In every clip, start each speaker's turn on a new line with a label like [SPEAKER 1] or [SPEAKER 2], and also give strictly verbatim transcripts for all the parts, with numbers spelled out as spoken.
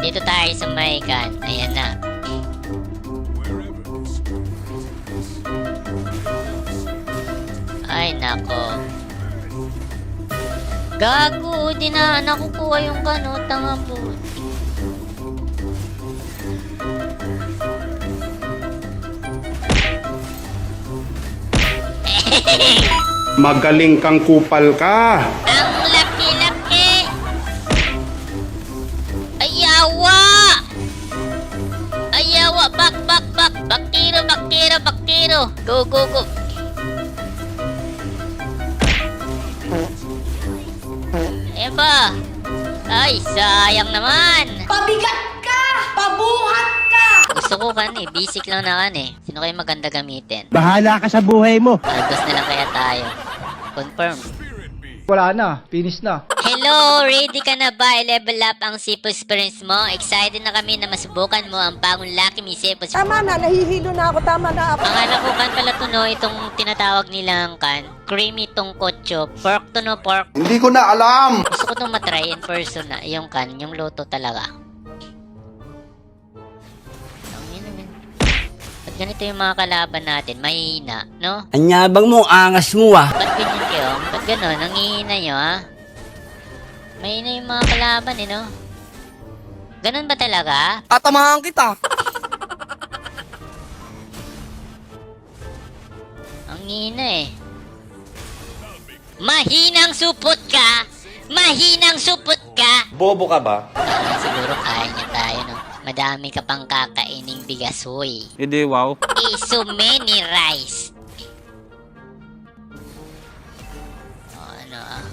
[SPEAKER 1] Dito tayo sa may kan. Ayan na. Ay, nako. Gago, di na nakukuha yung kano, tanga po.
[SPEAKER 2] Magaling kang kupal ka.
[SPEAKER 1] Ang laki-laki. Ayawa. Ayawa, bak, bak, bak. Bakiro, bakiro, bakiro. Go, go, go. Eba. Ay, sayang naman.
[SPEAKER 3] Pabigat ka! Pabuhat ka!
[SPEAKER 1] Gusto ko kan eh, basic lang na kan eh. Sino kayo maganda gamitin?
[SPEAKER 4] Bahala ka sa buhay mo.
[SPEAKER 1] Algos na lang kaya tayo. Confirm.
[SPEAKER 5] Wala na, finish na.
[SPEAKER 1] Hello! Ready ka na ba i-level up ang Sipo experience mo? Excited na kami na masubukan mo ang bagong Lucky Me Sipo.
[SPEAKER 3] Tama na, nahihilo na ako, tama na ako.
[SPEAKER 1] Ang alam ko kan pala to no, itong tinatawag nilang kan, creamy tong kotso. Pork to no, pork.
[SPEAKER 2] Hindi ko na alam.
[SPEAKER 1] Gusto ko itong matry in person na, yung kan, yung luto talaga. Ang ina yan. Ba't ganito yung mga kalaban natin? Mahihina, no?
[SPEAKER 4] Anyabang mo, angas mo ah.
[SPEAKER 1] Ba't ganyan kayo? Ba't gano'n? Nangihina nyo, ha? Mahina yung mga kalaban, eh, no? Ganun ba talaga?
[SPEAKER 4] Tatamahan kita.
[SPEAKER 1] Ang hina, eh. Mahinang supot ka! Mahinang supot ka!
[SPEAKER 2] Bobo ka ba?
[SPEAKER 1] Ah, siguro kaya niya tayo, no? Madami ka pang kakaining bigas, hoy.
[SPEAKER 4] Hindi, wow.
[SPEAKER 1] Eh, so many rice. Oh, ano, ah.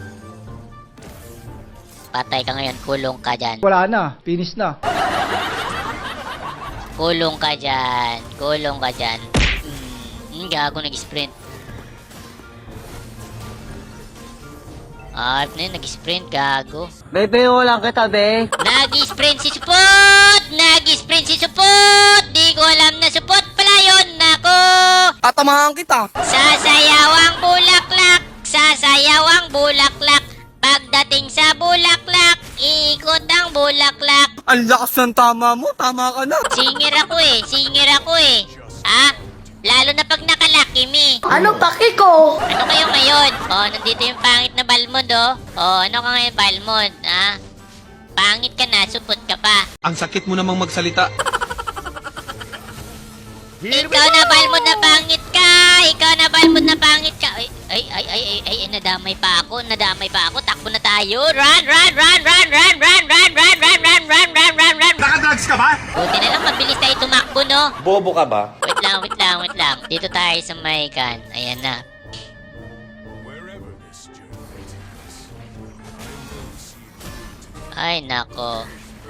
[SPEAKER 1] Patay ka ngayon, kulong ka dyan.
[SPEAKER 5] Wala na, finish na.
[SPEAKER 1] Kulong ka dyan. Kulong ka dyan. Hmm, gago nag-sprint. Ah, na yun, nag-sprint, gago.
[SPEAKER 4] Bebe, lang kita, be.
[SPEAKER 1] Nag-sprint si Supot! Nag-sprint si Supot! Di ko alam na Supot pala yun, nako!
[SPEAKER 4] Tatamahan kita.
[SPEAKER 1] Sasayawang bulaklak! Sasayawang bulaklak! Pagdating sa bulaklak, iikot ang bulaklak.
[SPEAKER 4] Ang lakas ng tama mo, tama ka na.
[SPEAKER 1] Singer ako eh, singer ako eh. Ha? Lalo na pag nakalaki me.
[SPEAKER 3] Ano paki ko?
[SPEAKER 1] Ano kayo ngayon? Oh, nandito yung pangit na Balmond oh. Oh, ano ka ngayon Balmond? Ha? Pangit ka na, supot ka pa.
[SPEAKER 6] Ang sakit mo namang magsalita.
[SPEAKER 1] Ikaw na Balmond na pangit ka! Ikaw na Balmond na pangit ka! Ay, ay, ay, ay, ay, ay, nadamay pa ako, nadamay pa ako. Takbo na tayo! Run, run, run, run, run, run, run, run, run, run, run, run, run, run!
[SPEAKER 6] Nakadrugs ka ba?
[SPEAKER 1] Buti na lang, mabilis tayo tumakbo, no?
[SPEAKER 2] Bobo ka ba?
[SPEAKER 1] Wait lang, wait lang, wait lang. Dito tayo sa may kan. Ayan na. Ay, nako.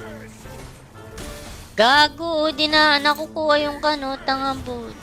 [SPEAKER 1] Gago, di na nakukuha yung kano, tanga po.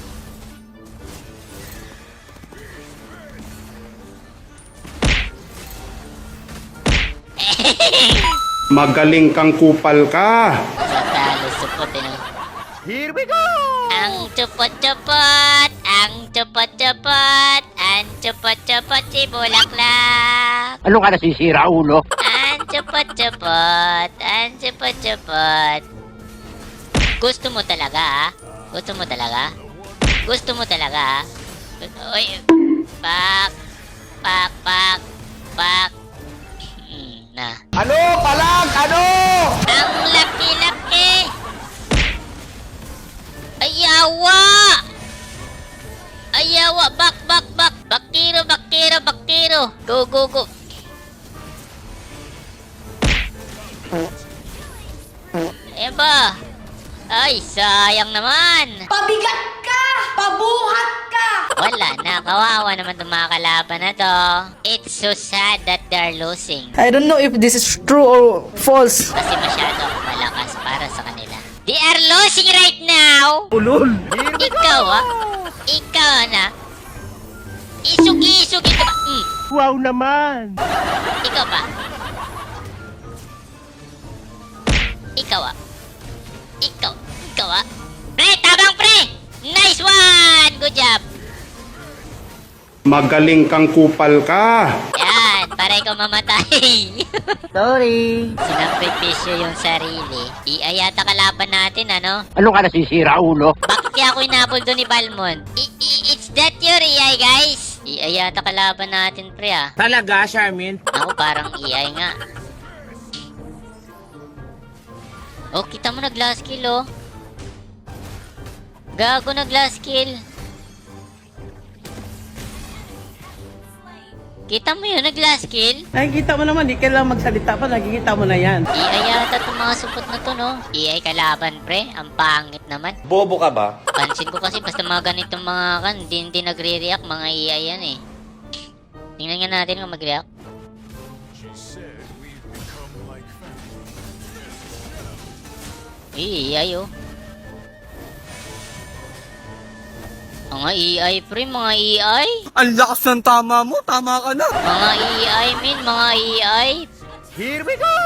[SPEAKER 2] Magaling kang kupal ka.
[SPEAKER 1] Sa talo, supot, eh, no?
[SPEAKER 4] Here we go!
[SPEAKER 1] Ang chupot-chupot, ang chupot-chupot, ang chupot-chupot si Bulaklak.
[SPEAKER 4] Ano ka nasisira, ulo?
[SPEAKER 1] Ang chupot-chupot, ang chupot-chupot. Gusto mo talaga, ha? Gusto mo talaga? Gusto mo talaga, ha? Uy, pak, pak, pak, pak. Hmm, na.
[SPEAKER 4] Ano? Palag! Ano?
[SPEAKER 1] Ang laki-laki! Ayawa! Ayawa! Bak, bak, bak! Bakiro, bakiro, bakiro! Go, go, go! Eba! Ay, sayang naman!
[SPEAKER 3] Pabigat ka! Pabuhat ka!
[SPEAKER 1] Wala na, kawawa naman itong mga kalaban na to. It's so sad that they're losing.
[SPEAKER 7] I don't know if this is true or false.
[SPEAKER 1] Kasi masyado akong malakas para sa kanila. They are losing right now!
[SPEAKER 4] Ulol!
[SPEAKER 1] Ikaw ah! Ikaw na! Isugi-isugi ka ba? Mm.
[SPEAKER 4] Wow naman!
[SPEAKER 1] Ikaw pa? Ikaw ah! Ikaw! Ikaw ah! Pre! Tabang pre! Nice one! Good job!
[SPEAKER 2] Magaling kang kupal ka.
[SPEAKER 1] Yan! para ikaw mamatay.
[SPEAKER 7] Sorry.
[SPEAKER 1] Sinakripisyo yung sarili. I A yata kalaban natin, ano?
[SPEAKER 4] Ano ka nasisira, ulo?
[SPEAKER 1] Bakit kaya ako inabol doon ni Balmond? I- I- it's that your A I, guys? I A yata kalaban natin, pre, ah.
[SPEAKER 4] Talaga, Charmin?
[SPEAKER 1] Ako, parang A I nga. Oh, kita mo na glass kill, oh. Gago na glass kill. Kita mo yun, nag-glass kill?
[SPEAKER 7] Nakikita mo naman, di kailangan magsalita pa, nakikita mo na yan.
[SPEAKER 1] A I yata itong mga supot na to, no? A I kalaban, pre. Ang pangit naman.
[SPEAKER 2] Bobo ka ba?
[SPEAKER 1] Pansin ko kasi basta mga ganitong mga kan, hindi, hindi nagre-react, mga A I yan eh. Tingnan nga natin kung mag-react. Eh, A I oh. Mga A I pre, mga A I.
[SPEAKER 6] Ang lakas ng tama mo, tama ka na.
[SPEAKER 1] Mga A I min, mga A I.
[SPEAKER 4] Here we go!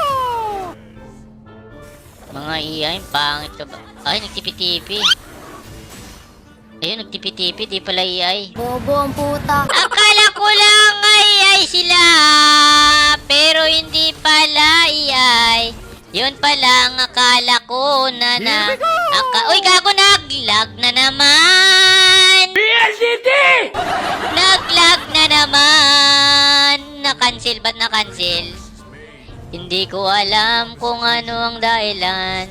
[SPEAKER 1] Mga A I, pangit ka ba? Ay, nagtipi-tipi. Ayun, nagtipi-tipi, di pala A I.
[SPEAKER 3] Bobo ang puta.
[SPEAKER 1] Akala ko lang ay ay sila, pero hindi pala A I. Yun pala ang akala ko na na. Aka Uy, gago, naglag na naman.
[SPEAKER 4] P L D T!
[SPEAKER 1] Naglag na naman. Na-cancel, ba't na-cancel? Hindi ko alam kung ano ang dahilan.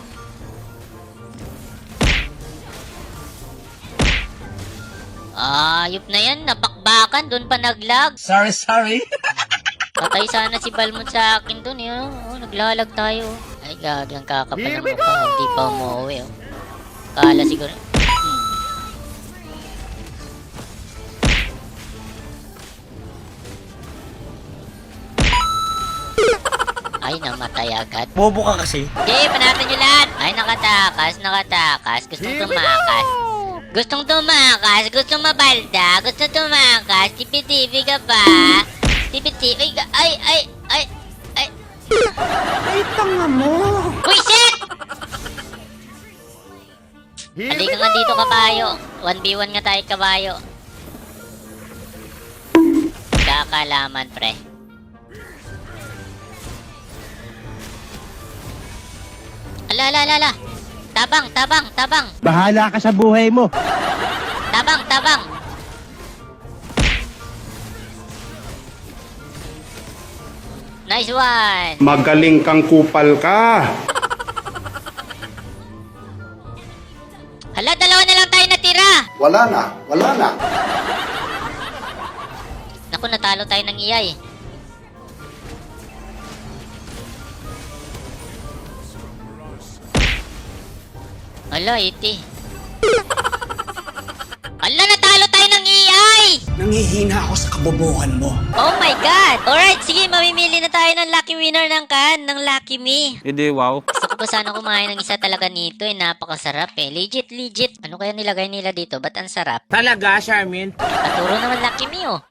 [SPEAKER 1] Ayop na yan, napakbakan, doon pa naglag.
[SPEAKER 4] Sorry, sorry.
[SPEAKER 1] Patay sana si Balmond sa akin doon, eh. Oh, naglalag tayo. Ay, gagang kakapal
[SPEAKER 4] Here
[SPEAKER 1] ng
[SPEAKER 4] we
[SPEAKER 1] mukha.
[SPEAKER 4] go!
[SPEAKER 1] Hindi pa umuwi, oh. Kala siguro. Hmm. Ay, namatay agad.
[SPEAKER 4] Bobo ka kasi.
[SPEAKER 1] Okay, panatan nyo lahat. Ay, nakatakas, nakatakas. Gustong
[SPEAKER 4] Here we
[SPEAKER 1] tumakas. Gustong tumakas, gustong mabalda, gustong tumakas. Tipi-tipi ka pa. Tipi-tipi ka. Ay, ay, ay, ay.
[SPEAKER 7] Ay, tanga mo.
[SPEAKER 1] Wisit!
[SPEAKER 4] Here we
[SPEAKER 1] Halika nga dito, kabayo. one v one nga tayo, kabayo. Kakalaman, pre. Ala, ala, ala, ala. Tabang, tabang, tabang.
[SPEAKER 4] Bahala ka sa buhay mo.
[SPEAKER 1] Tabang, tabang. Nice one.
[SPEAKER 2] Magaling kang kupal ka.
[SPEAKER 1] Hala, dalawa na lang tayo natira.
[SPEAKER 2] Wala na, wala na.
[SPEAKER 1] Naku, natalo tayo ng iyay. Hala, iti. Hala, natalo tayo ng A I!
[SPEAKER 8] Nangihina ako sa kabobohan mo.
[SPEAKER 1] Oh my God! Alright, sige, mamimili na tayo ng lucky winner ng kan, ng Lucky Me.
[SPEAKER 6] Hindi, wow.
[SPEAKER 1] Gusto ko pa sana kumain ng isa talaga nito eh, napakasarap eh. Legit, legit. Ano kaya nilagay nila dito? Ba't ang sarap?
[SPEAKER 4] Talaga, Charmin?
[SPEAKER 1] Paturo naman Lucky Me oh.